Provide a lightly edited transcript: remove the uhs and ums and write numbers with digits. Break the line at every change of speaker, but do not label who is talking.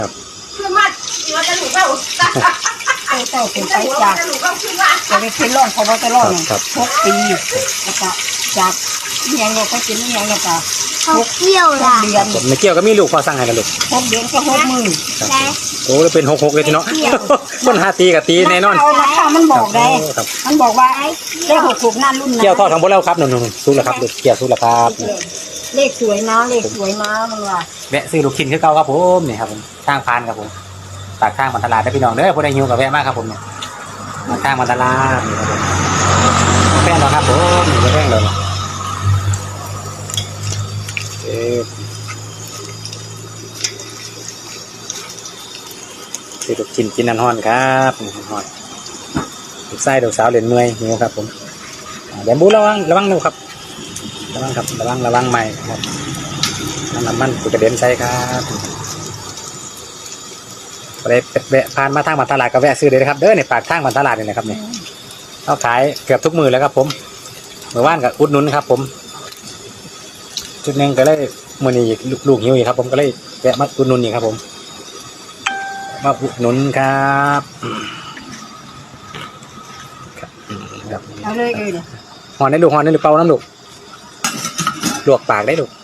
ขึ้นมาที่ว่าจะหนูเข้า
เจ้าเป็นไปจากจะไปเป็นร่องเขาบอกจะร่อง6 ปีแล้วก็จากยังเราก็กินยังเราก็
6 เที่ยวล่ะ
เดือน
ไม่เกี่ยวก็มีลูกพอสั่งให้กันลูก
6 เดือนก็6 มื้อ
โอ้เป็น66เลยทีเนาะคนหาตีกับตีแน่นอน
ราคามันบอกได้มันบอกว่าได้66นั่นรุ่นนั้น
เกี่ยวทอดทั้งหมดแล้วครับหนุ่มๆสู้แล้วครับลูกเกี่ยวสู้แล้วครับ
เลขสวยนะเลขสวยนะมันว่า
แวะซื้อลูกชิ้นคือเก่าครับผมนี่ครับผมทางพานครับผมปากทางมันตลาดได้พี่น้องเด้อผู้ใดหิวกับแวะมากครับผมเนี่ยปากทางมันตลาดนี่ครับผมแป้งเราครับผมนี่แป้งเราซื้อลูกชิ้นกินนันฮอนครับนันฮอนลูกไส้ลูกสาวเหรียญเมยหิวครับผมเดี๋ยวบูระวังดูครับระวังครับระวังใหม่ครับน้ำมันกระเด็นใส่ครับไปแวะผ่านมาทางบรรทัดลาดก็แวะซื้อเลยนะครับเด้อในปากทางบรรทัดลาดนี่นะครับเนี่ยเขาขายเกือบทุกมือแล้วครับผมเมื่อวานกับอุดหนุนครับผมจุดนึงก็เลยมือนี้ลูกหิวอีกครับผมก็เลยแวะมาอุดหนุนอีกครับผมมาอุดหนุนครับ
เอาเลย
หอนได้ลูกหอนได้หรือเปล่าน้ำลูกลวกปากได้ลูก